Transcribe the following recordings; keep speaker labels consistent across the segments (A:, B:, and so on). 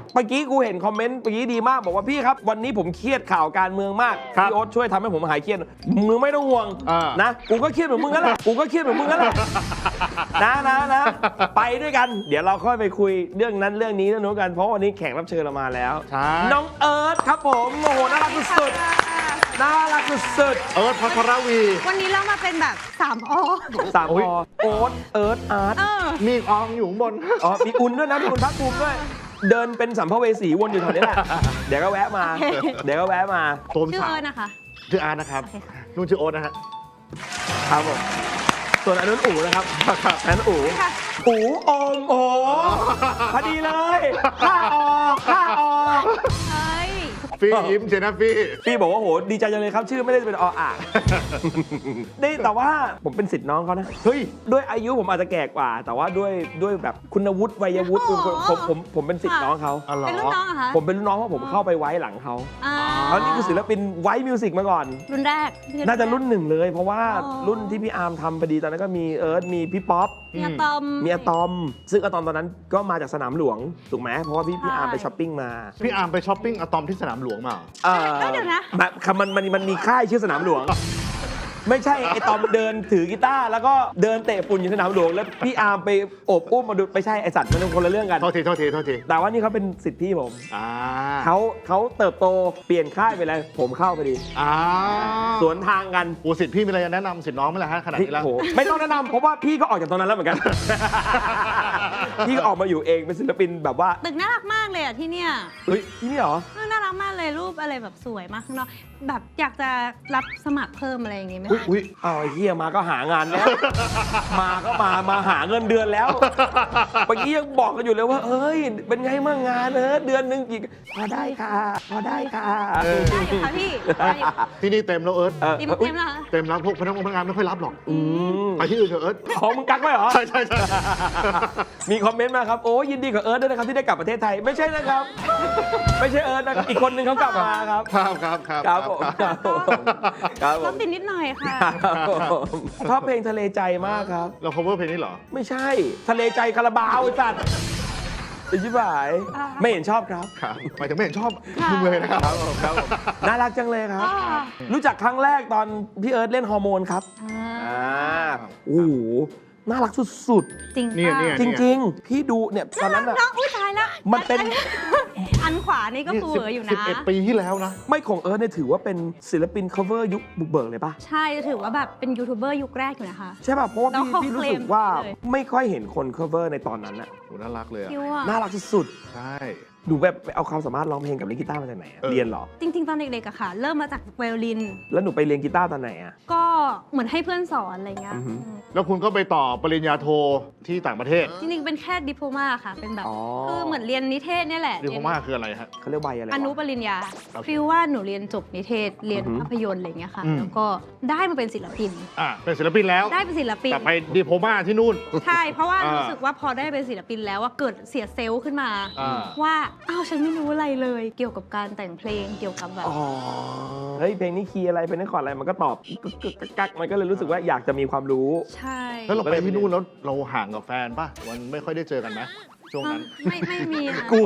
A: เมื่อกี้กูเห็นคอมเมนต์เมื่อกี้ดีมากบอกว่าพี่ครับวันนี้ผมเครียดข่าวการเมืองมากพี่โอ๊ตช่วยทำให้ผมหายเครียดมึงไม่ต้องห่วงนะกูก็เครียดเหมือนมึงนั่นแหละกูก็เครียดเหมือนมึงนั่นแหละนะไปด้วยกันเดี๋ยวเราค่อยไปคุยเรื่องนั้นเรื่องนี้เรื่องนู้นกันเพราะวันนี้แขกรับเชิญเรามาแล้วน้องเอิร์ธครับผมโอ้โหน่ารักสุดๆน่ารักสุด
B: เอิร์ธพัทรวี
C: วันนี้เรามาเป็นแบบ3 อ
A: 3 อโอ๊ตเอิร์ธอาร์ต
B: มีอองอยู่ข้างบน
A: มีอุ่นด้วยนะมีอุ่นพักภูมิด้วยเดินเป็นสัมภเวสีวนอยู่แถวนี้แหละเดี๋ยวก็แวะมา
C: ชื่อเอิร์ธนะคะ
B: ชื่ออาร์ตนะครับนุ่นชื่อโอ๊ตนะฮะ
A: ครับผมส่วนอันนั้นอู๋นะครับอันนั้นอู๋อมโอ้พอดีเลยข้าออก
B: ฟี่ยิ้มเจนะ
A: ฟี่บอกว่าโหดีใจจังเลยครับชื่อไม่ได้เป็นอ่างนี่แต่ว่าผมเป็นศิษย์น้องเขานะเฮ้ยด้วยอายุผมอาจจะแก่กว่าแต่ว่าด้วยแบบคุณวุฒิวัยวุฒิผมเป็นศิษย์น้องเขา
C: เป็นรุ่นน้องเหรอคะ
A: ผมเป็นรุ่นน้องเพราะผมเข้าไปไว้หลังเขาเขานี่คือศิลปินไว้มิวสิกมาก่อน
C: รุ่นแรก
A: น่าจะรุ่น1เลยเพราะว่ารุ่นที่พี่อาร์มทำพอดีตอนนั้นก็มีเอิร์ธมีพี่ป๊อป
C: มีอะตอม
A: ซึ่งอะตอมตอนนั้นก็มาจากสนามหลวงถูกไหมเพราะว่าพี่อาร์มไปช้อปปิ้งมา
B: พี่อาร์มไปช้อปปิ้งอะตอมที่สนามหลวงมา
C: เดี๋ยวนะ
A: มันมีค่ายชื่อสนามหลวงไม่ใช่ไอตอมเดินถือกีตาร์แล้วก็เดินเตะฝุ่นอยู่สนามหลวงแล้วพี่อาร์มไปโอบอุ้มมาดูไม่ใช่ไอสัตว์มันเป็นคนละเรื่องกัน
B: โทษที
A: แต่ว่านี่เขาเป็นศิษย์พี่ผมเขาเติบโตเปลี่ยนค่ายไปเลยผมเข้าไปดีสวนทางกัน
B: โอ้ศิษย์พี่มีอะไรจะแนะนำศิษย์น้องไหมล่ะฮะขนาดนี้แล้ว
A: ไม่ต้องแนะนำเพราะว่าพี่ก็ออกจากตรงนั้นแล้วเหมือนกันพี่ออกมาอยู่เองเป็นศิลปินแบบว่า
C: ตึกน่ารักมากเลยอ่ะที่เนี่ย
A: ที่นี่เหรอ
C: น่ารักมากเลยรูปอะไรแบบสวยมากข้างนอกแบบอยากจะรับสมัครเพิ่มอะไรอย่างงี้ไหมคะ
A: เอาไอ้เหี้ยมาก็หางานแล้วมาหาเงินเดือนแล้วเมื่อกี้ยังบอกกันอยู่เลยว่าเอ้ยเป็นไงมั่งงานเดือนนึงกี่พอได้ค่ะ
C: ได้ค่ะพี่
B: ที่นี่เต็มแล้วเอิร์ธ
C: เต็มแล้ว
B: เต็มแล้วพวกพนักงานไม่ค่อยรับหรอกไปที่อื่นเถอะเอิร์ธ
A: ของมึงกักไว้เหรอ
B: ใช่
A: มีคอมเมนต์มาครับโอ้ยินดีกับเอิร์ธด้วยนะครับที่ได้กลับประเทศไทยไม่ใช่นะครับไม่ใช่เอิร์ธนะครับอีกคนนึงเขากลับมาครับ
B: ครับ
A: ผม
C: ร้องติดนิดหน่อยค่ะ
A: ชอบเพลงทะเลใจมากครับ
B: เรา cover เพลงนี้เหรอ
A: ไม่ใช่ทะเลใจคาราบาวไอ้สัตว์อิชิบายไม่เห็นชอบครับ
B: หมายถึงไม่เห็นชอบมึงเลยนะครับ
A: น่ารักจังเลยครับรู้จักครั้งแรกตอนพี่เอิร์ธเล่นฮอร์โมนครับโอ้โหน่ารักสุด
C: ๆจริง
A: จริงพี่ดูเนี่ยตอนนั้นอะ
C: อุ้ยตายแล้ว
A: มันเป็น
C: อันขวานี่ก็ฟูเหออยู่นะ
B: 11 ปีที่แล้วนะ
A: ไม่ของเอิร์ธเนี่ยถือว่าเป็นศิลปิน cover ยุคบุกเบิกเลยปะ
C: ใช่ถือว่าแบบเป็นยูทูบเบอร์ยุคแรกอยู่นะคะ
A: ใช่ป่ะเพราะว่าพี่รู้สึกว่าไม่ค่อยเห็นคน cover ในตอนนั้นอะ
B: โหน่ารักเลย
A: น่ารักสุด
B: ใช่
A: ดูแบบเอาความสามารถร้องเพลงกับเล่นกีตาร์มาจากไหนเรียนหรอ
C: จริงๆตอนเด็กๆอะค่ะเริ่มมาจากไวโอลิน
A: แล้วหนูไปเรียนกีตาร์ตอนไหนอะ
C: ก็เหมือนให้เพื่อนสอนอะไรเงี้ย
B: แล้วคุณก็ไปต่อปริญญาโทที่ต่างประเทศ
C: จริงๆเป็นแค่ดิโพมาค่ะเป็นแบบคือเหมือนเรียนนิเทศเนี่ยแหละ
B: ดิโพมาคืออะไรฮะ
A: เขาเรียกใบอะไร
C: อนุปริญญาฟิลว่าหนูเรียนจบนิเทศเรียนภาพยนตร์อะไรเงี้ยค่ะแล้วก็ได้มาเป็นศิลปิน
B: เป็นศิลปินแล้ว
C: ได้เป็นศิลปิน
B: แต่ไปดิโพมาที่นู่น
C: ใช่เพราะว่ารู้สึกว่าพอได้เป็นศิลปินแล้วว่าเกิดเสียเซลล์ขึ้นมาว่าอ้าวฉันไม่รู้อะไรเลยเกี่ยวกับการแต่งเพลงเกี่ยวกับแบบ
A: เฮ้ยเพลงนี้คีย์อะไรเพลงนี้คอร์ดอะไรมันก็ตอบกักมันก็เลยรู้สึกว่าอยากจะมีความรู้
C: ใช่
B: แล้วเราไปที่นู่นแล้วเราห่างกับแฟนป่ะมันไม่ค่อยได้เจอกันไหมช่วงนั้น
C: ไม่มี
A: กู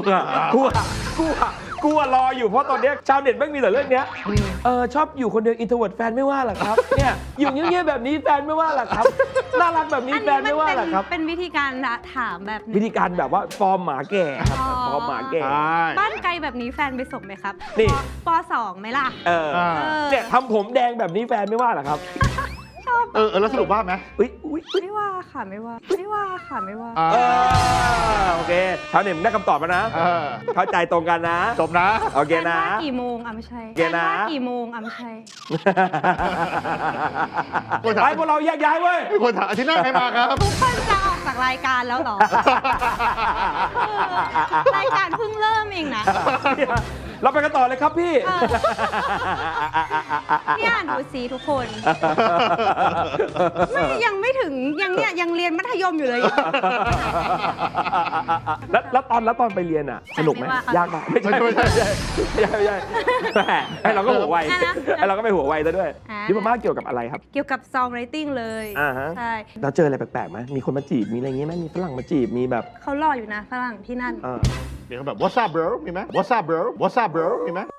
A: รออยู่เพราะตอนนี้ชาวเน็ตไม่มีแต่เรื่องนี้ชอบอยู่คนเดียวอินโทรเวิร์ตแฟนไม่ว่าหรอครับเนี่ยอยู่เงียบๆแบบนี้แฟนไม่ว่าหรอครับน่ารักแบบนี้แฟนไม่ว่าหรอครับ
C: เป็นวิธีการถามแบบ
A: วิธีการแบบว่าฟอร์มหมาแก่ครับฟอร์มหมาแก่
C: บ้านไกลแบบนี้แฟนไปส่งไหมครับ
A: นี่
C: ป.2 ไหมล่ะ
A: เนี่ยทำผมแดงแบบนี้แฟนไม่ว่าหรอครับ
B: แล้วสรุปว่าไหม
C: ไม่ว่าค่ะไม่ว่า
A: โอเคชาวเน็ตได้คำตอบแล้วนะเข้าใจตรงกันนะ
B: จบนะ
A: โอเคนะ
C: กี่โมงไม่ใช่กี่โมงไม่ใช่
A: ไปพวกเราแยกย้ายเว้ย
B: คนถามอาทิตย์หน้าใครมาครับ
C: ทุกคนจะออกจากรายการแล้วหรอรายการเพิ่งเริ่มเองนะ
A: เราไปกันต่อเลยครับพี่
C: เนี่ยดูสิทุกคนยังไม่ถึงยังเรียนมัธยมอยู่เลย
A: แล้วตอนไปเรียนอ่ะสนุกไหมยากไหมไม่ใช่ให้เราก็หัวไวให้เราก็ไปหัวไวซะด้วยดิโพมาเกี่ยวกับอะไรครับ
C: เกี่ยวกับซองไรติ้งเลย
A: ใช่เราเจออะไรแปลกๆไหมมีคนมาจีบมีอะไรอย่างงี้ไหมมีฝรั่งมาจีบมีแบบ
C: เขารออยู่นะฝรั่งที่นั่น
B: เดี๋ยวเขาแบบ what's up bro มีไหม what's up bro what's up bro มีไหม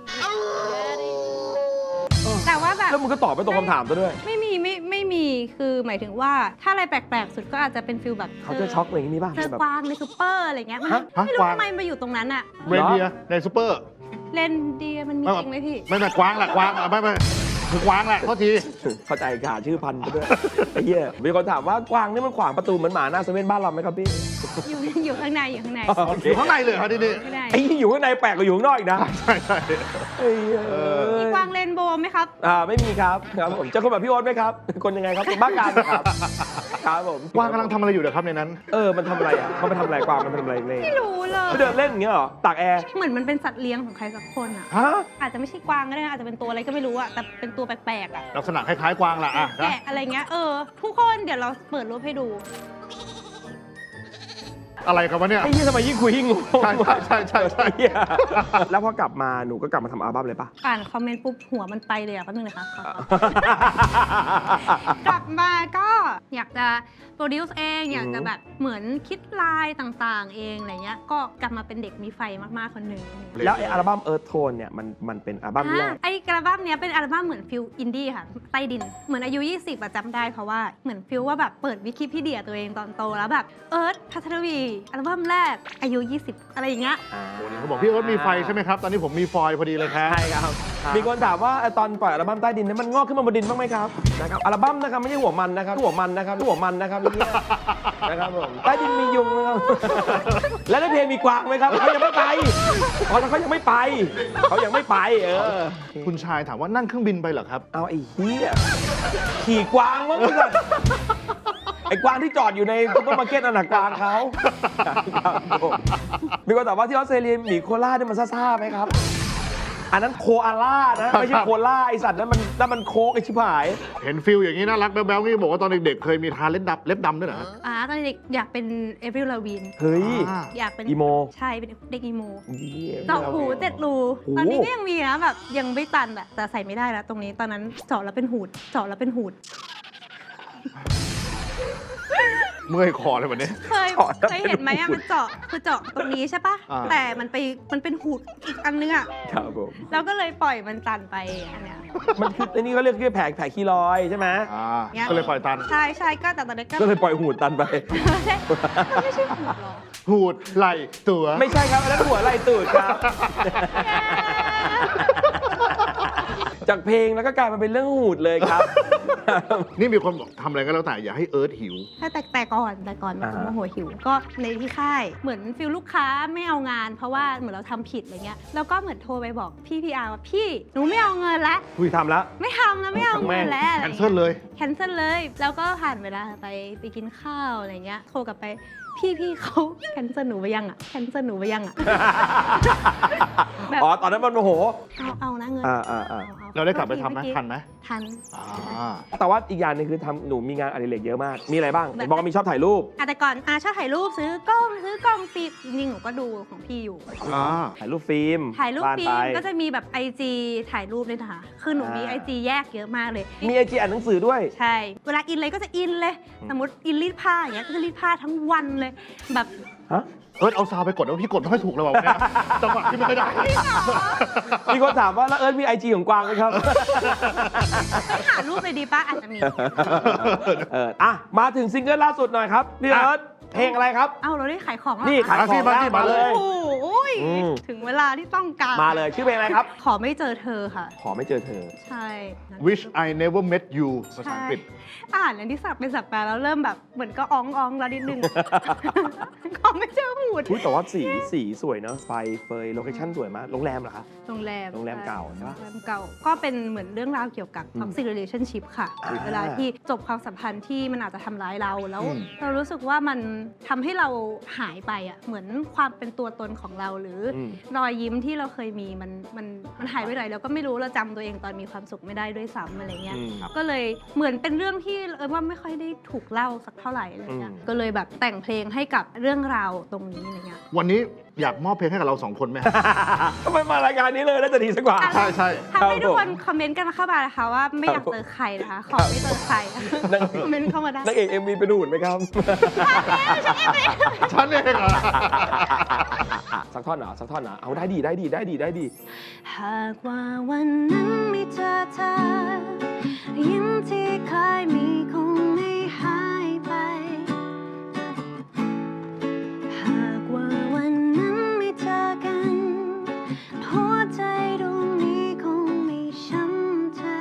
C: แต่ว่าแบบ
A: แล้วมึงก็ตอบไปตรงคำถามซะด้วย
C: ไม่มีคือหมายถึงว่าถ้าอะไรแปลกๆสุดก็อาจจะเป็นฟิลแบบ
A: เขาจะช็อกอะไรอย่างนี้บ้าง
C: เจอ
A: แบบ
C: กวางในซูเปอร์อะไรเงี้ยมัน
A: ฮะ
C: ไม่รู้
B: กวาง
C: ทำไมมาอยู่ตรงนั้นอะ
B: เรนเดียร์ในซูเปอร์
C: เรนเดียร์มันมีจริงไหมพี่
B: ไม่กวางแหละกวางไม่คือกวางแหละโทษที
A: เข้าใจขาชื่อพันธุ์ไปด้วย ไอ้เหี้ยมีคนถามว่ากวางนี่มันขวางประตูเหมือนหมาหน้าเซเว่นบ้านเราไหมครับพี่
C: อยู่ข้างในอยู่ข้างใน
A: โอเค
B: อยู่ข้างในเลยครับที่นี่
C: ข้างใน
A: ไอ้ที่อยู่ข้างในแปลกกว่าอยู่ข้างนอกอีกนะ
B: ใช่ใช่
A: ไอ้เหี้ย
C: มีกวางเรนโบว์ไหมครับ
A: ไม่มีครับครับผมเจอคนแบบพี่โอ๊ตไหมครับเป็นคนยังไงครับเป็นบ้าการครับครับผม
B: กวางกำลังทำอะไรอยู่เดี๋ยวครับในนั้น
A: มันทำอะไรอ่ะมันไปทำอะไรกวางมันไปทำอะไรเลย
C: ไม่รู้เลย
A: ไปเดินเล่นอย่างเงี้ยเหรอตากแอร์
C: เหมือนมันเป็นสัตว์เลี้ยงของใครสักคนอะ
A: ฮะ
C: อาจจะไม่ใช่กวางก็ได้นะอาจจะเป็นตัวอะไรก็ไม่รู้อะแต่เป็นตัวแปลกๆอะ
B: ลักษณะคล้ายๆกวางแหละอ่ะนะ
C: แกะอะไรเงี้ยทุกคนเดี๋ยวเราเปิดรูปให้ดู
B: อะไรกันวะเนี่ย
A: ไอ้เหี้ยทำไมยิ่งคุยยิ่งงง
B: ใช่ใช่
A: ไอ้เหี้ยแล้วพอกลับมาหนูก็กลับมาทำอัลบั้มเลยปะ
C: อ่านคอมเมนต์ปุ๊บหัวมันไปเลยอะแป๊บนึงนะคะขอกลับมาก็อยากจะโปรดิวซ์เองอยากจะแบบเหมือนคิดลายต่างๆ เองอะไรเงี้ยก็กลับมาเป็นเด็กมีไฟมากๆคนหนึ่ง
A: แล้วไอ้อัลบั้ม Earth Tone เนี่ยมันเป็นอัลบั้มแรก
C: ไอ้อัลบั้มเนี้ยเป็นอัลบั้มเหมือนฟิลอินดี้ค่ะใต้ดินเหมือนอายุ 20อะจำได้เพราะว่าเหมือนฟิลว่าแบบเปิดวิกิพีเดียตัวเองตอนโตแล้วแบบเอิร์ธพัทรวีอัลบั้มแรกอายุ 20 อะไรอย่างเงี้ย
B: เขาบอกพี่เอิร์ธมีไฟใช่ไหมครับ ตอนนี้ผมมีฟอยล์พอดีเลยครับ
A: ใช่ครับ มีคนถามว่าตอนปล่อยอัลบั้มใต้ดินเนี่ยมันงอกขึ้นมาบนดินบ้างไหมครับนะครับอัลบั้มนะครับไม่ใช่หัวมันนะครับหัวมันนะครับหัวมันนะครับอย่างเงี้ยนะครับผมใต้ดินมียุงนะครับ แล้วในเพลงมีกวางไหมครับเขายังไม่ไปเขายังไม่ไปเขายังไม่ไป
B: คุณชายถามว่านั่งเครื่องบินไปเหรอครับ
A: เอาไอ้เหี้ยขี่กวางมั้งมึงอะไอ้กวางที่จอดอยู่ในซุปเปอร์มาร์เก็ตนั่นน่ะกวางเขาครับผมมีคนถามว่าที่ออสเตรเลียหมีโคล่าเนี่ยมันซ่าๆไหมครับ อันนั้นโคอาล่านะไม่ใช่โคล่าไอสัตว์นั้นมันโคกไอชิบหาย
B: เห็นฟิลอย่างนี้น่ารักแบ๊วๆนี่บอกว่าตอนเด็กๆเคยมีทาเล็บดำด้วยเหรอฮะ
C: ตอนเด็กอยากเป็นเอฟริลลาวิน
A: เฮ้ย
C: อยากเป็น
A: อีโม
C: ใช่เป็นเด็กอีโม
A: เหี้ย
C: เจาะหู7 รู
A: โอ้โห
C: ตอนนี้ก็ยังมีนะแบบยังไม่ตันอะแต่ใส่ไม่ได้แล้วตรงนี้ตอนนั้นเจาะแล้วเป็นหูดเจาะแล้วเป็นหูด
B: เมื่อยคอเลยวันนี้
C: เคยเห็นไหมอะมันเจาะคือเจาะตรงนี้ใช่ปะ
B: อ่า
C: แต่มันเป็นหูดอีกอันนึงอะ
A: ครับผม
C: แล้วก็เลยปล่อยมันตันไปอันเนี้ย
A: มันคืออันนี้เขาเรียกแผลคีรอยใช่ไหม
B: ก็เลยปล่อยตัน
C: ใช่ใช่ก็แต่ตอนนี้ก็
A: ก็เลยปล่อยหูดตันไป
C: ไม่ใช่หูดหรอ
B: หูดไหลตัว
A: ไม่ใช่ครับอันนั้นหัวไหล่ตูดครับ จากเพลงแล้วก็กลายมาเป็นเรื่องหูดเลยครับ
B: นี่มีคนบอกทำอะไรก็แล้วแต่อย่าให้เอิร์ธหิว
C: แต่ก่อนมันโมโหหิวก็ในที่ค่ายเหมือนฟิลลูกค้าไม่เอางาน เพราะว่าเหมือนเราทำผิดอะไรเงี้ยแล้วก็เหมือนโทรไปบอกพี่พีอาร์ว่าพี่หนูไม่เอาเงินละ
A: คุยทำแล้ว
C: ไม่ทำแล้วไม่เอาเงินแล้ว
B: แคนเซิลเลย
C: แคนเซิลเลย แล้วก็ผ่านเวลาไปกินข้าวอะไรเงี้ยโทรกลับไปพี่เขาแคนเซิลหนูไปยังอ่ะแคนเซิลหนูไปยังอ่ะ แบบ
A: อ๋อตอนนั้นมันโมโห
C: เอานะเงิน
B: เราได้กลับไปทำไหมทันไหม
C: ทัน
A: แต่ว่าอีกอย่างหนึงคือหนูมีงานอดิเรกเยอะมาก มีอะไรบ้างบอกว่ามีชอบถ่ายรูป
C: แต่ก่อนชอบถ่ายรูปซื้อกล้องฟิล์มจริงๆหนูก็ดูของพี่อยู่
A: ถ่ายรูปฟิล์ม
C: ถ่ายรูปฟิล์ม
A: บ้านไป
C: ก็จะมีแบบ IG ถ่ายรูปด้วยนะคะคือหนูมี IG แยกเยอะมากเลย
A: มีไอจีอ่านหนังสือด้วย
C: ใช่ เวลาอินเลยก็จะอินเลย สมมติอินรีดผ้าอย่างเงี้ยก็จะรีดผ้าทั้งวันเลย แบบ
A: ฮะ
B: เอิร์ธเอาซาวไปกดแล้วพี่กดไม่ค่อยถูกเลยว่ะวันเนี่ยจังหวะที่ไม่ค่อยได้
A: มีคนถามว่าแล้วเอิร์ธมีไอจีของกวางไหมครับ
C: ไม่หารูปเลยดีป่ะอาจจะมี
A: มาถึงซิงเกิลล่าสุดหน่อยครับพี่เอิร์ธเพลงอะไรครับ
C: เอ้าเราได้ขายของแล้ว
A: นี่ขายของแล้วมาเลย
C: โอ้ยถึงเวลาที่ต้องการ
A: มาเลยชื่อเพลงอะไรครับ
C: ขอไม่เจอเธอค่ะ
A: ขอไม่เจอเธอ
C: ใช่
B: Wish I never met you ภาษาอังกฤษ
C: อ่านอันที่สับเป็นสับแปลแล้วเริ่มแบบเหมือนก็อ้องแล้วนิดนึง ขอไม่เจอหูด
A: อุ๊ยแต่ว่าสีสวยเนอะไฟเฟยโลเคชั่นสวยมากโรงแรมเหรอครับ
C: โรงแรม
A: เก่าใช่ปะ
C: โรงแรมเก่าก็เป็นเหมือนเรื่องราวเกี่ยวกับ toxic relationship ค่ะเวลาที่จบความสัมพันธ์ที่มันอาจจะทำร้ายเราแล้วเรารู้สึกว่ามันทำให้เราหายไปอ่ะเหมือนความเป็นตัวตนของเราหรือรอยยิ้มที่เราเคยมีมันหายไปไหนแล้วก็ไม่รู้เราจำตัวเองตอนมีความสุขไม่ได้ด้วยซ้ำอะไรเงี้ยก็เลยเหมือนเป็นเรื่องที่ว่าไม่ค่อยได้ถูกเล่าสักเท่าไหร่อะไรเงี้ยก็เลยแบบแต่งเพลงให้กับเรื่องราวตรงนี้อะไรเงี้ย
B: วันนี้อยากมอบเพลงให้กับเรา2 คนไหม
A: ทำไมมารายการนี้เลยน่าจะดีสักกว่า
B: ใช่
C: ทำให้ทุกคนคอมเมนต์กันเข้ามานะคะว่าไม่อยากเจอใครนะคะขอไม่เจอใครคอมเมนต์เข้ามาได้
A: นักเอก MV เป็นหุ่นไหมครับ
B: ฉันเองเหรอ
A: สักท่อนเหรอสักท่อนเหรอเอาได้ดีได้ดีได้ดีได้ดี
C: หากว่าวันนั้นไม่เจอเธอยิ้มที่เคยมีคงไม่หายไปหากว่าวันนั้นไม่เจอกันหัวใจดวงนี้คงไม่ช้ำใจ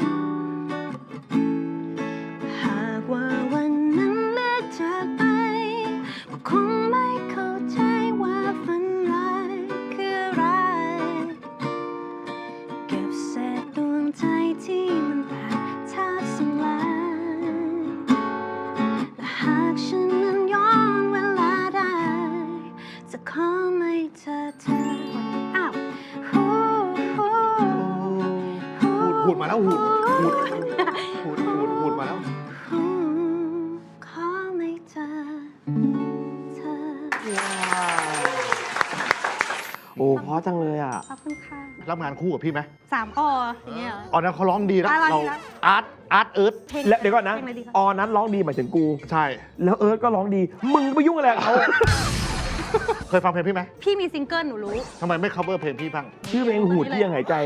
C: หากว่าวันนั้นเลือกจากไปก็คงไม่เข้าใจว่าฝันร้ายคืออะไรเก็บเศษดวงใจที่มันแตกแทบสลายและหากฉันนั้นย้อนเวลาได้จะขอไม่เจอเธออ้าว
B: หูดมาแล้วหูดมาแล้ว
C: ขอไม่เจอเธอ
A: โอ้เพราะจังเลยอ่ะ
C: ขอบคุณค่ะ
B: รับงานคู่กับพี่ไหม
C: 3 ออย่างเงี้ยเหรอ
B: อ๋อนั้นเขาร้องดีนะ
C: อะไร
B: เรา
C: นะ
B: อาร์ตเอิร์ธ
C: เพลง
A: และเดี๋ยวก่อนนะ
C: เพลงอะไรดีคะ
A: ออนั้นร้องดีหมายถึงกู
B: ใช่
A: แล้วเอิร์ธก็ร้องดี มึงไปยุ่งอะไรกับเขา
B: เคยฟังเพลงพี่ไหม
C: พี่มีซิงเกิลหนูรู้
B: ทำไมไม่ cover เพลงพี่บ้าง
A: ชื่อเพลงหูดที่ยังหายใจ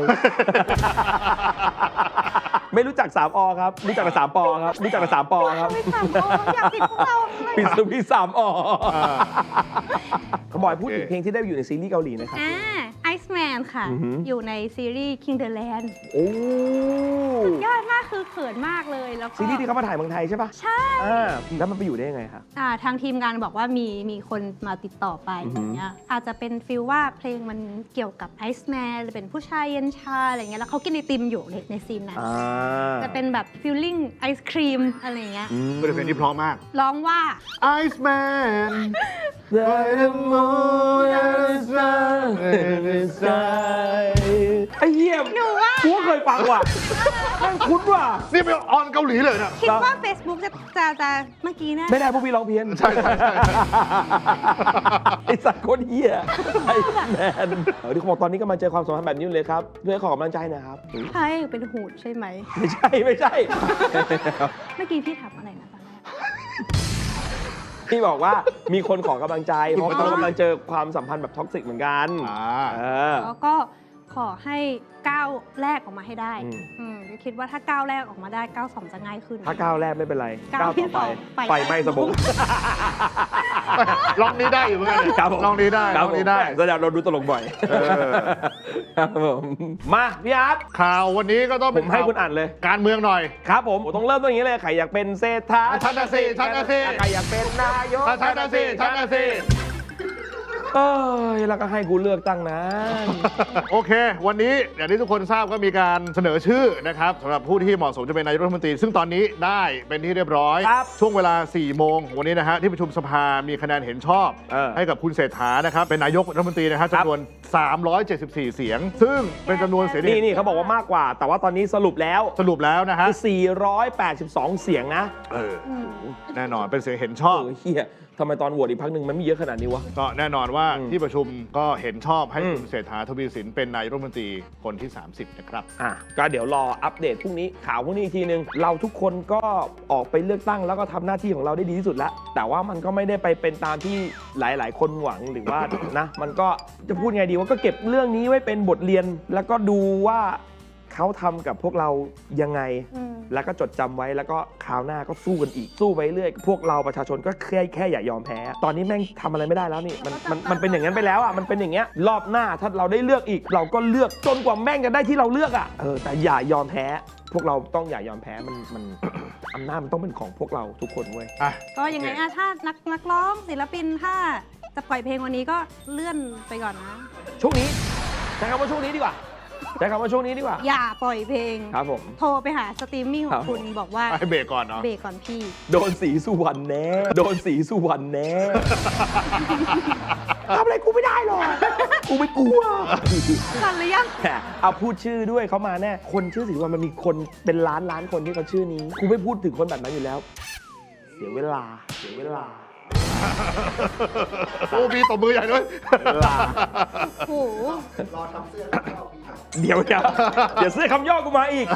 A: ไม่รู้จัก3 อครับ รู้จักแต่3 ปอครับ รู้จักแต่3 ปอครับ
C: ไม่ถามเขาอยากติดพวกเราเลย
A: ปิดสวิต3 อ
B: อ่า
A: เขาบอกให้พูดถึงเพลงที่ได้อยู่ในซีรีส์เกาหลีนะครับ
C: ไอซ์แมนค่ะ
A: อือหือ
C: อยู่ในซีรีส์ King the Land
A: โอ้
C: ยอดมากคือเขินมากเลยแล้วก็
A: ซีรีส์ที่เขามาถ่ายเมืองไทยใช่ปะ
C: ใช่
A: แล้วมันไปอยู่ได้ยังไงคะ
C: ทางทีมงานบอกว่ามีคนมาติดต่อไป
A: อือ
C: อ
A: หือ
C: ย่างเงี้ยอาจจะเป็นฟีลว่าเพลงมันเกี่ยวกับไอซ์แมนหรือเป็นผู้ชายเย็นชาอะไรเงี้ยแล้วเขากินไอติมอยู่ในซีนนั้น จะเป็นแบบฟิลลิ่งไอศครีมอะไรเงี้ย
B: ก็เป็นเพลงที่เพราะมาก
C: ร้องว่า
B: Ice Man
A: ไอ้เหี้ย
C: หนูว่า
A: กูก็เคยฟังว่ะแม่งคุ้นว่ะ
B: นี่เป็นออนเกาหลีเลยนะ
C: คิดว่า Facebook จะเมื่อกี้นะ
A: ไม่ได้พวกพี่ร้องเพี้ยน
B: ใช่
A: ไอ้สัตว์โคตรเหี้ยไอ้แมนที่เขาบอกตอนนี้ก็มาเจอความสัมพันธ์แบบนี้เลยครับด้วยขอกำลังใจหนะครับ
C: ใช่เป็นหูดใช่ไหม
A: ไม่ใช่ไม่ใช่
C: เมื่อกี้พี่ถามอะไรนะตอนแรก
A: พี่บอกว่ามีคนขอกำลังใจเพราะเรากำลังเจอความสัมพันธ์แบบท็อกซิกเหมือนกัน เออ
C: แล้วก็ขอให้ก้าวแรกออกมาให้ได้
A: อืม
C: คิดว่าถ้าก้าวแรกออกมาได้ก้าวสองจะง่ายขึ้น
A: ถ้าก้าวแรกไม่เป็นไร
C: ก้าวที่
A: ต่อ
C: สอง
A: ไป
C: ไฟ
A: ไฟไหม้สมอง
B: ร้องนี้ได้อยู่เหมือนกัน
A: ครับผม
B: ร้องนี้ได้
A: ค
B: ร้
A: รั
B: อบ งนี้ได้
A: แสดงเราดูตลกบ่อยครับผมมาพี่อาร์ต
B: ข่าววันนี้ก็ต้อง
A: ผ
B: เป็น
A: มให้คุณอ่านเลย
B: การเมืองหน่อย
A: ครับผมต้องเริ่มต้นอย่างนี้เลยใครอยากเป็นเศรษฐา
B: ชัดนะสิชัดนะสิ
A: ใครอยากเป็นนายก
B: ชัดนะสิชัดนะสิ
A: เอ้ยแล้วก็ให้กูเลือกตั้งนะ
B: โอเค วันนี้อย่างที่ทุกคนทราบก็มีการเสนอชื่อนะครับสำหรับผู้ที่เหมาะสมจะเป็นนายกรัฐมนตรี ซึ่งตอนนี้ได้เป็นที่เรียบร้อย
A: ครับ
B: ช่วงเวลา 4 โมงวันนี้นะฮะที่ประชุมสภามีคะแนนเห็นชอบ ให้กับคุณเศรษฐานะครับเป็นนายกรัฐมนตรีนะครับ
A: ครับ
B: จำนวน 374 เสียง ซึ่งเป็นจำนวนเสียงที่
A: นี่เขาบอกว่ามากกว่า แต่ว่าตอนนี้สรุปแล้ว
B: สรุปแล้วนะฮะ
A: คือ482 เสียงนะ
B: แน่นอนเป็นเสียงเห็นชอบ
A: เฮียทำไมตอนโหวตอีกพักหนึ่งมันไม่เยอะขนาดนี้วะ
B: ก็แน่นอนว่า
A: อืม
B: ที่ประชุมก็เห็นชอบให้
A: อืม
B: คุณเศรษฐาทวีสินเป็นนายกรัฐมนตรีคนที่ 30 นะครับ
A: ก็เดี๋ยวรออัปเดตพรุ่งนี้ข่าวพรุ่งนี้อีกทีนึง เราทุกคนก็ออกไปเลือกตั้งแล้วก็ทำหน้าที่ของเราได้ดีที่สุดแล้ว แต่ว่ามันก็ไม่ได้ไปเป็นตามที่หลาย ๆ คนหวังหรือว่า นะ มันก็จะพูดไงดีว่าก็เก็บเรื่องนี้ไว้เป็นบทเรียน แล้วก็ดูว่าเขาทำกับพวกเรายังไง แล้วก็จดจำไว้แล้วก็คราวหน้าก็สู้กันอีกสู้ไปเรื่อยพวกเราประชาชนก็แค่อย่ายอมแพ้ ตอนนี้แม่งทำอะไรไม่ได้แล้วนี่มันเป็นอย่างนั้นไปแล้วอ่ะมันเป็นอย่างเงี้ยรอบหน้าถ้าเราได้เลือกอีก เราก็เลือกจนกว่าแม่งจะได้ที่เราเลือกอ่ะแต่อย่ายอมแพ้ พวกเราต้องอย่ายอมแพ้มัน อำนาจมันต้องเป็นของพวกเราทุกคนเว้ย
C: ก็ยังไงถ้านักร้องศิลปินถ้าจะปล่อยเพลงวันนี้ก็เลื่อนไปก่อนนะ
A: ช่วงนี้ใช้คำว่าช่วงนี้ดีกว่าใช้คำว่าช่วงนี้ดีกว่า
C: อย่าปล่อยเพลง
A: ครับผม
C: โทรไปหาสตรีมมิ่งของคุณบอกว่า
B: ให้เบรกก่อนเนาะ
C: เบรกก่อนพี่
A: โดนสีสุวรรณแน่โดนสีสุวรรณแน่ ทำอะไรกูไม่ได้หรอกกูไม่กลัว
C: ก่อนหรือยัง
A: เอาพูดชื่อด้วยเขามาแน่คนชื่อสีสุวรรณมันมีคนเป็นล้านคนที่เขาชื่อนี้กูไม่พูดถึงคนแบบนั้นอยู่แล้ว เสียเวลา
B: โอ้มีตบมือใหญ่ด้วย
C: โอ้โห
A: เดี๋ยวเสื้อคำย่อกูมาอีก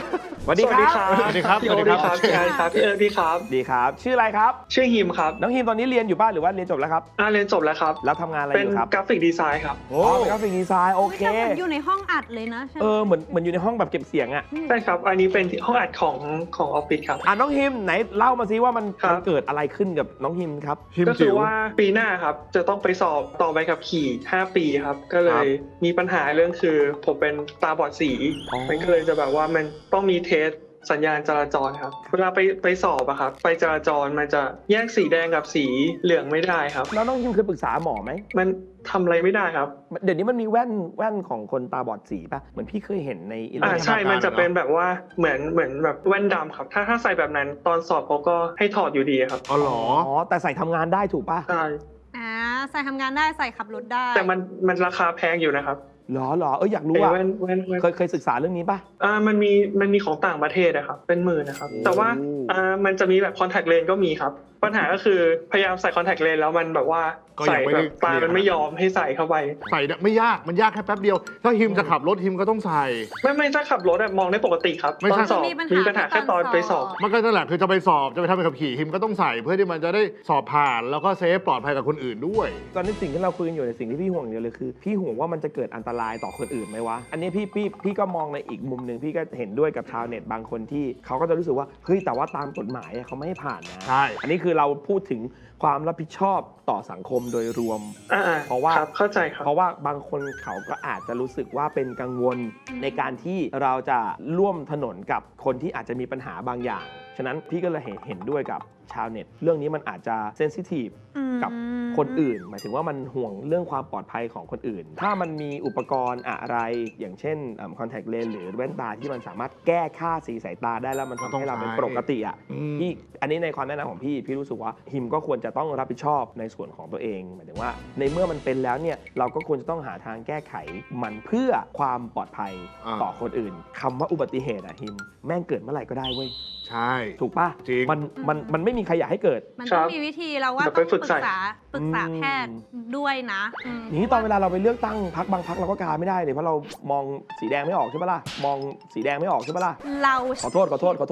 A: สวัสดีครับ
B: สวัสดีครับ
D: พี่โอ๊ตดีครับพี่ไอซ์ครับพี่เอิร์ธดีครับ
A: ดีครับ ชื่ออะไรครับ
D: ชื่อฮิมครับ
A: น้องฮิมตอนนี้เรียนอยู่บ้านหรือว่าเรียนจบแล้วครับ
D: เรียนจบแล้วครับ
A: แล้วทำงานอะไร
D: เป็
A: อน ยู่ครับ
D: กราฟิกดีไซน์ครับ
A: โอ้เป็นกราฟิกดีไซน์โอเค
C: แต่เหมือนอยู่ในห้องอัดเลยนะใช่ไหม
A: เหมือนอยู่ในห้องแบบเก็บเสียงอะ
D: ใช่ครับ อันนี้เป็นห้องอัดของออฟฟิศครับ
A: น้องฮิมไหนเล่ามาซิว่ามัน
D: ครับ
A: เกิดอะไรขึ้นกับน้องฮิมครับ
B: ฮิม
D: ก็คื
B: จิ๋
D: อ
B: ว
D: ว่าปีหน้าครับจะต้องไปสอบต่อใบขับขี่ 5 ปีครับ ก็เลยมีปัญหาเรื่องคือผมเป็นตาบอดสี
A: อ๋อ
D: มันก็เลยจะแบบว่ามันต้องมีเทสสัญญาณจราจรครับ เวลาไปสอบอะครับไปจราจรมันจะแยกสีแดงกับสีเหลืองไม่ได้ครับ
A: แล้วน้องฮิมเคยปรึกษาหมอไหม
D: มันทำอะไรไม่ได้ครับ
A: เดี๋ยวนี้มันมีแว่นของคนตาบอดสีป่ะเหมือนพี่เคยเห็นในอินเทอร์เน็ต
D: ใช่ มันจะเป็นแบบว่าเหมือนแบบแว่นดำครับ ถ้าใส่แบบนั้นตอนสอบเขาก็ให้ถอดอยู่ดีครับ
B: อ๋อเหรอ
A: อ๋อแต่ใส่ทำงานได้ถูกป่ะ
D: ใช่
C: ใส่ทำงานได้ใส่ขับรถได้
D: แต่มันราคาแพงอยู่นะครับ
A: เหรออยากรู้
D: ไอ้
A: อ่ะ
D: แว่น
A: เคยศึกษาเรื่องนี้ป่ะ
D: มันมีของต่างประเทศนะครับเป็นหมื่นนะครับ
A: โอ้
D: แต่ว่ามันจะมีแบบคอนแทคเลนส์ก็มีครับ ปัญหาก็คือพยายามใส่คอนแทคเลนส์แล้วมันแบบว่า
B: ก็ยั
D: ใส่
B: งไม่
D: แบ
B: ได้
D: บตามันไม่ยอมให้ใส่เข้าไป
B: ใส่ไม่ยากมันยากแค่แป๊บเดียว ถ้าฮิมจะขับรถฮิมก็ต้องใส่
D: ไม่ถ้าขับรถอะมองได้ปกติครับ
B: ไม่
D: ตอ
B: ใช่
D: นสอบ
C: มี
D: มี
C: ปั
D: ปั
C: ญ
D: ญ
C: หา
D: หาแค่ตอนไปสอบ
B: มันก็นั่นแหละคือจะไปสอบจะไปทำใบขับขี่ฮิมก็ต้องใส่เพื่อที่มันจะได้สอบผ่านแล้วก็เซฟปลอดภัยกับคนอื่นด้วย
A: ตอนนี้สิ่งที่เราคุยกันอยู่ในสิ่งที่พี่ห่วงเดียวเลยคือพี่ห่วงว่ามันจะเกิดอันตรายต่อคนอื่นไหมวะอันนี้พี่ก็มองในอีกมุมหนึ่งพี่ก็เห็นด้วยกับชาวเน็ตบางคนที่เขาก็จะรู้สึกว่าเฮ้ยแต่ว่าตามกฎหมายเขาไม่ให้ผ่านนะ
B: ใช่
A: อันนี้คือเราพูดถึงความรับผิดชอบต่อสังคมโดยรวม เพราะว่า
D: ครับเข้าใจครับ
A: เพราะว่าบางคนเขาก็อาจจะรู้สึกว่าเป็นกังวลในการที่เราจะร่วมถนนกับคนที่อาจจะมีปัญหาบางอย่าง ฉะนั้นพี่ก็เลยเห็นด้วยกับชาวเน็ต เรื่องนี้มันอาจจะเซนซิทีฟกับคนอื่น หมายถึงว่ามันห่วงเรื่องความปลอดภัยของคนอื่น ถ้ามันมีอุปกรณ์อะไรอย่างเช่นคอนแทคเลนส์หรือแว่นตาที่มันสามารถแก้ค่าสีสายตาได้แล้วมันทำให้เราเป็นปกติอ่ะ พี่อันนี้ในความแนะนำของพี่รู้สึกว่าฮิมก็ควรจะต้องรับผิดชอบในส่วนของตัวเองหมายถึงว่าในเมื่อมันเป็นแล้วเนี่ยเราก็ควรจะต้องหาทางแก้ไขมันเพื่อความปลอดภัยต่อคนอื่นคำว่าอุบัติเหตุอะฮิมแม่งเกิดเมื่อไหร่ก็ได้เว้ย
B: ใช่
A: ถูกป่ะ
B: จริง
A: มันไม่มีใครอยากให้เกิด
C: มันต้องมีวิธีเราว่า
D: เดี๋ยว
C: ต้
D: ไป
C: อง
D: ฝึ
C: ปรึ
D: ก
C: ก
D: ใส่
C: ษาแพทย์ด้วยนะอืม
A: อย่างนี้ตอนเวลาเราไปเลือกตั้งพรรคบางพรรคเราก็กาไม่ได้เลยเพราะเรามองสีแดงไม่ออกใช่ปะล่ะมองสีแดงไม่ออกใช่ปะล่ะ
C: เรา
A: ขอโทษ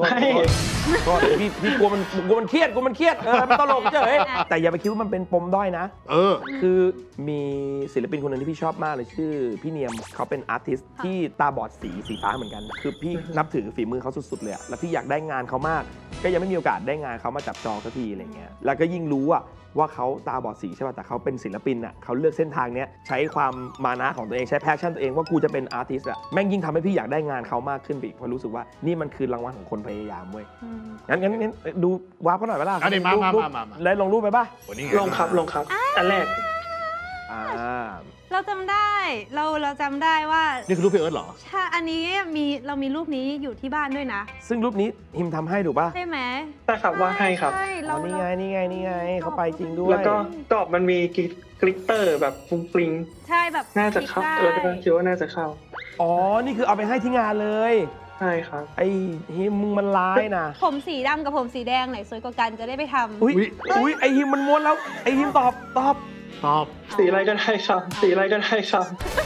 A: พี่กลัวมันเครียดมันตลกเฉยแต่อย่าไปคิดว่ามันเป็นปมด้อยนะ คือมีศิลปินคนหนึ่งที่พี่ชอบมากเลยชื่อพี่เนียมเขาเป็นอาร์ติสต์ที่ตาบอดสีฟ้าเหมือนกัน คือพี่นับถือฝีมือเขาสุดๆเลยอะแล้วพี่อยากได้งานเขามาก ก็ยังไม่มีโอกาสได้งานเขามาจับจองสักทีอะไรเงี้ยแล้วก็ยิ่งรู้อะว่าเขาตาบอดสีใช่ป่ะแต่เขาเป็นศิลปินอะเขาเลือกเส้นทางเนี้ยใช้ความมานะของตัวเองใช้แพชชั่นตัวเองว่ากูจะเป็นอาร์ติสต์อะแม่งยิ่งทำให้พี่อยากได้งานเขามากขึ้นไปอีกเพราะรู้สึกว่านี่มันคือรางวัลของคนพยายามเว้ยงั้นดูวาร์ปเขาหน่อยไหมล่ะ
B: อันนี้มา
A: แล้วลงรูปไปป่ะ
D: ลงครับอันแรก
C: เราจำได้เราจำได้ว่า
B: นี่คือรูปพี่เอิร์ธเหรอ
C: ใช่อันนี้เรามีรูปนี้อยู่ที่บ้านด้วยนะ
A: ซึ่งรูปนี้ฮิมทำให้ถูกป่ะ
C: ใช่ไหม
D: ใช่ครับว่าให้ครับ
C: ใช่
A: อ๋
C: เรา
A: อนี่ไงเขาไปจริงด้วย
D: แล้วก็กรอบมันมีกลิตเตอร์แบบฟุ้งฟริ้ง
C: ใช่แบบ
D: น่าจะเข้า
C: ได้
D: ก็คิดว่าน่าจะเข้า
A: อ๋อนี่คือเอาไปให้ที่งานเลย
D: ใช่ครับ
A: ไอ้ฮิมมึงมันร้ายนะ
C: ผมสีดำกับผมสีแดงไหนสวยกว่ากันจะได้ไปทำ
A: อุ้ยไอ้ฮิมมันม้วนแล้วไอ้ฮิมตอบ
D: สีอะไรก็ได้ครับ สีอะไรก็ได้ครับ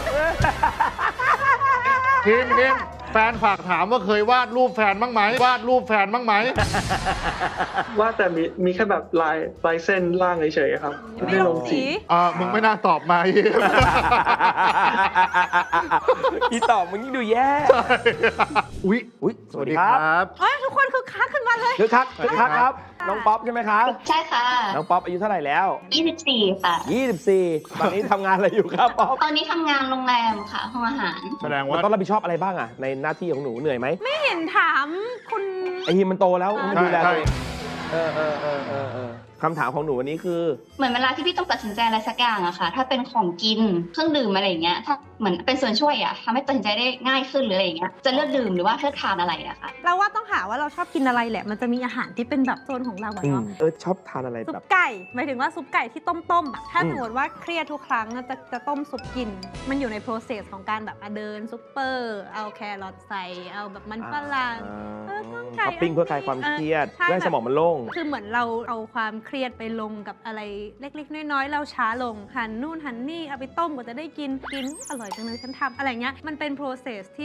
B: ฮิมแฟนฝากถามว่าเคยวาดรูปแฟนบ้างไหม
D: ว่าแต่มีแค่แบบลายเส้นล่างเฉยๆครับ
C: ไม่ลงสี
B: มึงไม่น่าตอบมาฮิม
A: อีตอบมึงยิ่งดูแย่
B: อุ๊ย
A: สวัสดีครับ
C: เฮ้ยทุกคนคือคักขึ้นมาเลย
A: คึกคักครับน้องป๊อปใช่ไหมครับ
E: ใช่ค่ะ
A: น้องป๊อปอายุเท่าไหร่แล้ว
E: 24 ค่ะ
A: 24ตอนนี้ทำงานอะไรอยู่ครับป๊อป
E: ตอนนี้ทำงานโรงแรมค่ะ ห้องอาหาร
B: แสดง
A: มัน
B: ว่า
A: ต้องรับผิดชอบอะไรบ้างอะในหน้าที่ของหนูเหนื่อยไหม
C: ไม่เห็นถามคุณ
A: ไอ้ฮิมมันโตแล้วมันดูแล
B: ใช่
A: ตัวเองคำถามของหนูวันนี้คือ
E: เหมือนเวลาที่พี่ต้องตัดสินใจอะไรสักอย่างอะค่ะ ถ้าเป็นของกิน เครื่องดื่มอะไรอย่างเงี้ย ถ้าเหมือนเป็นส่วนช่วยอะทำให้ตัดสินใจได้ง่ายขึ้นหรืออะไรอย่างเงี้ย จะเลือกดื่มหรือว่าเลือกทานอะไรอะค่ะ
C: เราว่าต้องหาว่าเราชอบกินอะไรแหละ มันจะมีอาหารที่เป็นแบบโซนของเราอะเนาะ
A: ชอบทานอะไร
C: ซุป
A: แบบ
C: ไก่หมายถึงว่าซุปไก่ที่ต้มๆอะถ้า
A: อืม
C: สมมติว่าเครียดทุกครั้งอะจะต้มซุปกิน มันอยู่ใน process ของการแบบเดินซุปเปอร์ เอาแครอทใส่ เอาแบบมันฝรั่ง ไก่
A: ท็อปปิ้งเพื่อคลายความเครียด
C: ใช่
A: เพื่อให้สมองมันโล่ง
C: คือเหมือนเราเอาความเครียดไปลงกับอะไรเล็กๆ น้อยๆ เราช้าลง หั่นนู่นหั่นนี่เอาไปต้มกว่าจะได้กินอร่อยจังเลยฉันทำอะไรเงี้ยมันเป็น process ที่ส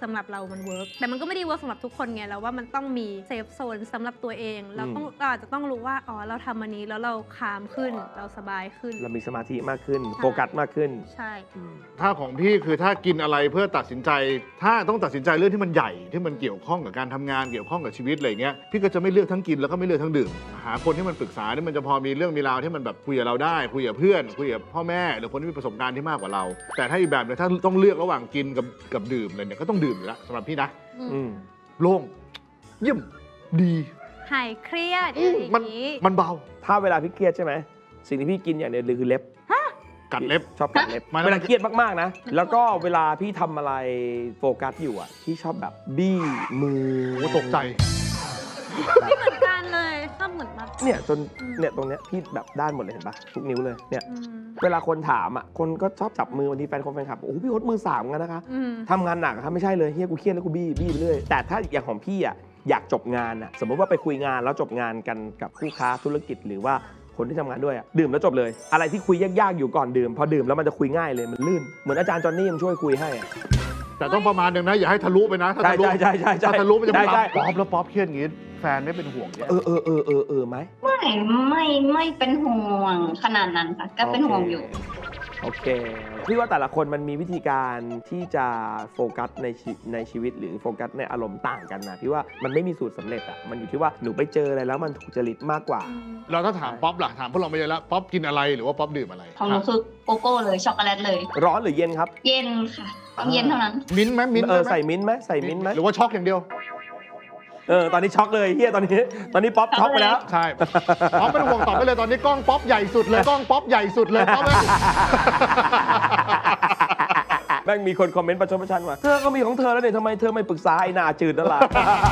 C: สำหรับเรามันเวิร์กแต่มันก็ไม่ได้เวิร์กสำหรับทุกคนไงแล้วว่ามันต้องมีเซฟโซนสำหรับตัวเองเราอาจจะต้องรู้ว่าอ๋อเราทำอันนี้แล้วเราคามขึ้นเราสบายขึ้น
A: เรามีสมาธิมากขึ้นโฟกัสมากขึ้น
C: ใช่
B: ถ้าของพี่คือถ้ากินอะไรเพื่อตัดสินใจ ถ้าต้องตัดสินใจเรื่องที่มันใหญ่ที่มันเกี่ยวข้องกับการทำงานเกี่ยวข้องกับชีวิตอะไรเงี้ยพี่ก็จะไม่เลือกทั้งกินแล้วก็ไม่เลือกทั้งดื่มหาคนที่มันปรึกษาที่มันจะพอมีเรื่องมีราวที่มันแบบคุยกับเราได้คุยกับเพื่อนคุยกับพ่อแม่หรือคนที่มีประสบการณ์ที่มากกว่าเรา แต่ถ้าอีกแบบนึงถ้าต้องเลือกระหว่างกินกับดื่มเลยเนี่ยก็ต้องดื่มอยู่แล้วสำหรับพี่นะ
A: อืม
B: โล่งเยี่ยมดี
C: หายเครียดอย่าง
B: มัน
C: นี้
B: มันเบา
A: ถ้าเวลาพี่เครียดใช่ไหมสิ่งที่พี่กินอย่างเดียวเลยคือเล็บ
B: กัดเล็บ
A: ชอบกัดเล็บ
B: มัน
A: เวลาเครียดมากๆนะแล้วก็เวลาพี่ทำอะไรโฟกัสอยู่อ่ะพี่ชอบแบบบี้มือ
B: โอ้ตกใจ
C: ไม่เหมือนกันเลยชอบเหมือนแบบ
A: เนี่ยจนเนี่ยตรงเนี้ยพี่แบบด้านหมดเลยเห็นปะทุกนิ้วเลยเนี่ย
C: อืม
A: เวลาคนถามอ่ะคนก็ชอบจับมือบางทีแฟนคลับโอ้โหพี่โอ๊ตมือ3กันนะคะ
C: อืม
A: ทำงานหนักอะครับไม่ใช่เลยเฮียกูเครียดแล้วกูบี้ไปเรื่อยแต่ถ้าอย่างของพี่อ่ะอยากจบงานอ่ะสมมติว่าไปคุยงานแล้วจบงานกันกับคู่ค้าธุรกิจหรือว่าคนที่ทำงานด้วยอ่ะดื่มแล้วจบเลย อะไรที่คุยยากๆอยู่ก่อนดื่มพอดื่มแล้วมันจะคุยง่ายเลยมันลื่นเหมือนอาจารย์จอนนี่ยังช่วยคุยให้อะ
B: แต่ต้องประมาณหนึงนะอย่าให้ทะลุไปนะถ้า
A: ใช่
B: ทะลุ
A: ใช่ใช่ใช่
B: ถ้าทะลุมันจะไม่
A: ใช่
B: ป๊อปแล้วป๊อปเครียดอย่างงี้แฟนไม่เป็นห่วงเนี่ย
A: ไหม
E: ไม่เป็นห่วงขนาดนั้นค่ะก็เป็นห่วงอยู่
A: โอเคพี่ว่าแต่ละคนมันมีวิธีการที่จะโฟกัสในชีวิตหรือโฟกัสในอารมณ์ต่างกันนะพี่ว่ามันไม่มีสูตรสำเร็จอ่ะมันอยู่ที่ว่าหนูไปเจออะไรแล้วมันถูกจริตมากกว่า
B: เราถ้าถามป๊อปล่ะถามพวกเราไปเยอะแล้วป๊อปกินอะไรหรือว่าป๊อปดื่มอะไร
E: ของหนูคือโกโก้เลยช็อกโกแลตเลย
A: ร้อนหรือเย็นครับ
E: เย็นค่ะต้องเย็นเท่านั้น
B: มิ้นท์ไหมมิ้นท์
A: ใส่มิ้นท์ไหมใส่มิ้นท์ไหม
B: หรือว่าช็อกอย่างเดียว
A: ตอนนี้ช็อกเลยเฮียตอนนี้ป๊อปช็อกไปแล้ว
B: ใช่ป๊อปไม่ต้องห่วงตอบไปเลยตอนนี้กล้องป๊อปใหญ่สุดเลยกล้องป๊อปใหญ่สุดเลยป๊อป
A: แม่งมีคนคอมเมนต์ประชดประชันว่าเธอก็มีของเธอแล้วเนี่ยทำไมเธอไม่ปรึกษาไอ้หนาจืดนั่นล่ะ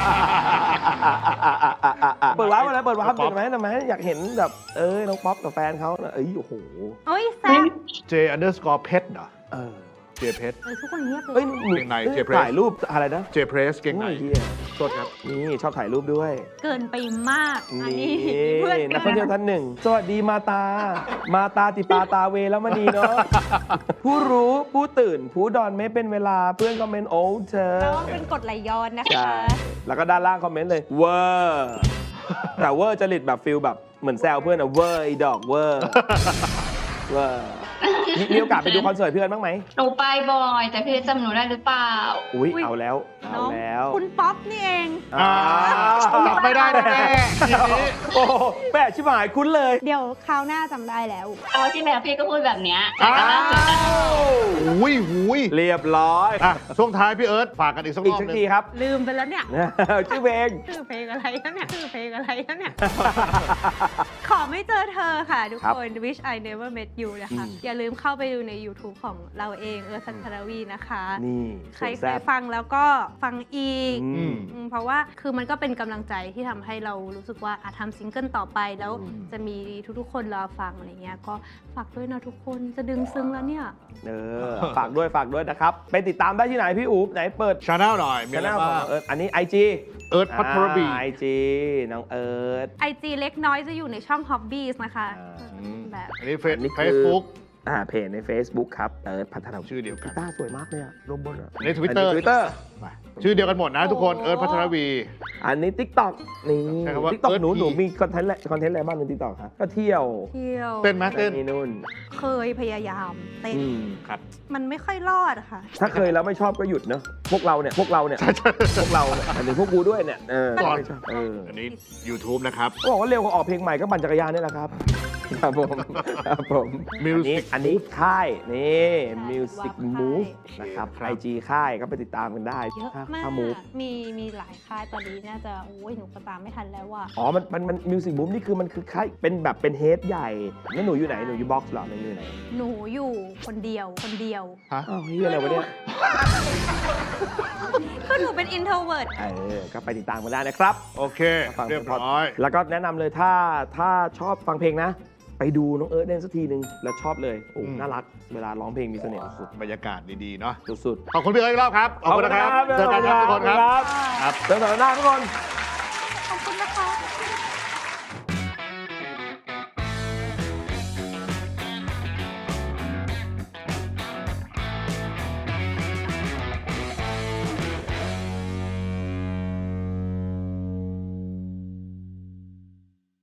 A: เปิดวาร์ปมาแล้วเปิดวาร์ปเห็นไหมอยากเห็นแบบน้องป๊อปกับแฟนเขาโอ้โห
C: โอ้ยแซ่บ
B: J_pet เหรอ Jเพชร
C: ทุกคนเงียบเล
A: เอ้
C: ย
A: ย
B: เกงใน J-Press
A: ถ่ายรูปอะไรนะ
B: Jเพรสเก่งไหน
A: โอ้ยเหี้ย
B: โทษครับ
A: นี่ชอบถ่ายรูปด้วย
C: เกินไปมากอัน
A: นี่
C: นี้เพื่อน
A: นักท่องเที่ยวท่านหนึ่ง สวัสดีมาตาติปาตาเวแล้วมานีเนาะ ผู้รู้ผู้ตื่น ผู้ดอนไม่เป็นเวลาเพื่อนคอมเมนต์โอ้เธอ
C: น้องเป็นกฎไหลย้อนนะ
A: ใช่
C: คะ
A: แล้วก็ด้านล่างคอมเมนต์เลยเวอร์แต่เวอร์จริตแบบฟิลแบบเหมือนแซวเพื่อนอะเวอร์ไอ้ดอกเวอร์เวอร์มีโอกาสไปดูคอนเสิร์ตเพื่อนบ้างไหม
E: หนูไปบ่อยแต่พี่จำหนูได้หรือเปล่า
A: อุ้ยเอาแล้ว
C: น้อง
A: แล้ว
C: คุณป๊อปนี่เอง
B: จำไม่ได้แน่ๆทีนี้
A: โอ้โหแม่ชิบหายคุ้นเลย
C: เดี๋ยวคราวหน้าจำได้แล้ว
E: เอาที่แล้วพี่ก็พูดแบบเนี้ย
A: อ้า
E: แต่ล่าสุดอะ
A: ว
B: หุย
A: เรียบร้อย
B: อ่ะช่วงท้ายพี่เอิร์ธฝากกันอีกสักร
A: อีก
B: อบ
A: สัก
B: หนึง
A: ทีครับ
C: ลืมไปแล้วเนี่ย
A: ชื่อเพลง
C: ชื่อเพลงอะไรแล้วเนี่ยชื่อเพลงอะไรแล้วเนี่ย ขอไม่เจอเธอค่ะ ทุก
A: ครับ
C: คน Wish I Never Met You นะคะ อย่าลืมเข้าไปดูใน YouTube ของเราเองพัทรวีนะคะ
A: นี่
C: ใคร
A: สวน
C: เค
A: แซ่
C: ย
A: บ
C: ฟังแล้วก็ฟังอีก
A: อืม
C: เพราะว่าคือมันก็เป็นกำลังใจที่ทำให้เรารู้สึกว่าทำซิงเกิลต่อไปแล้ว
A: อืม
C: จะมีทุกๆคนรอฟังอะไรเงี้ยก็ฝากด้วยนะทุกคนจะดึงซึ้งแล้วเนี่ย
A: ฝากด้วยนะครับ ไปติดตามได้ที่ไหนพี่อู๋ไหนเปิด
B: ชาแนลหน่อย มี
A: ช
B: อะไร
A: แนลข
B: บ้า
A: อง
B: ง
A: เอิร์ธอันนี้ IG
B: เอิร์ธพัทรบี
A: IG น้องเอิร์ธ
C: IG เล็กน้อยจะอยู่ในช่อง Hobbies นะคะ แบบ
B: อันนี้
A: อันนี้คือ
B: เฟซบุ๊ก
A: เพจใน Facebook ครับเอิร์ธพัฒนา
B: ชื่อเดียวกัน
A: กีตาร์สวยมากเลยอะรวมบนอะ
B: อันนี้ Twitter
A: ทวิตเตอร์
B: ชื่อเดียวกันหมดนะทุกคน
C: โอ้
B: เอิร์ธพัทรวี
A: อันนี้ TikTok นี่
B: ใช่คำว่า
A: TikTok หนู
B: Earth
A: มีคอนเทนต์อะไรบ้างใน TikTok ครับก็เที่ยว
C: เที่ยว
B: เต้นไหมเต้น
A: นี่นู่น
C: เคยพยายามเต้น
A: อืม
B: ครับ
C: มันไม่ค่อยรอดอะค่ะ
A: ถ้าเคยแล้วไม่ชอบก็หยุดเนอะพวกเราเนี่ยพวกเราเนี่ยอันนี้พวกกูด้วยเนี่ยไม่ชอบ
B: อันนี้ YouTube นะครับ
A: ก็บอกว่าเร็วกว่าออกเพลงใหม่ก็ปั่นจักรยานนี่แหละครับ ครับผมครับผม
B: Music
A: อันนี้ค่ายนี่ Music
C: ค่าย
A: Move นะครับ
B: ครับ
A: IG ค่ายก็ไปติดตามกันได้
C: เยอะมาก
A: ถ้า Move
C: มีหลายค่ายตอนนี้น่าจะโอ้ยหนูก็ตามไม่ทันแล้วว่ะ
A: อ๋อมัน Music Move นี่คือมันคือค่ายเป็นแบบเป็นเฮดใหญ่แล้วหนูอยู่ไหนหนูอยู่บ็อกซ์หรอหนูอยู่ไหน
C: หนูอยู่คนเดียว
B: ฮะ
A: อ้าวเฮียอะไรวะเนี่ย
C: คือหนูเป็น introvert
A: ก็ไปติดตามกันได้นะครับ
B: โอเค
A: ฟัง
B: เรียบร้อย
A: แล้วก็แนะนำเลยถ้าชอบฟังเพลงนะ ไปดูน้องเอิร์ธเล่นสักทีนึงแล้วชอบเลยโอ้
B: อืม
A: น่ารักเวลาร้องเพลงมีเสน่ห์สุด
B: บรรยากาศดีๆเนาะ
A: ๆสุด
B: ขอบคุณพี่เอิร์ธอีกรอบครับ
A: ๆ
B: ขอบคุณนะครับ เจอกันครับทุกคนครับ
A: ครับเจอกันหน้าทุกคน
C: ขอบคุณนะคะ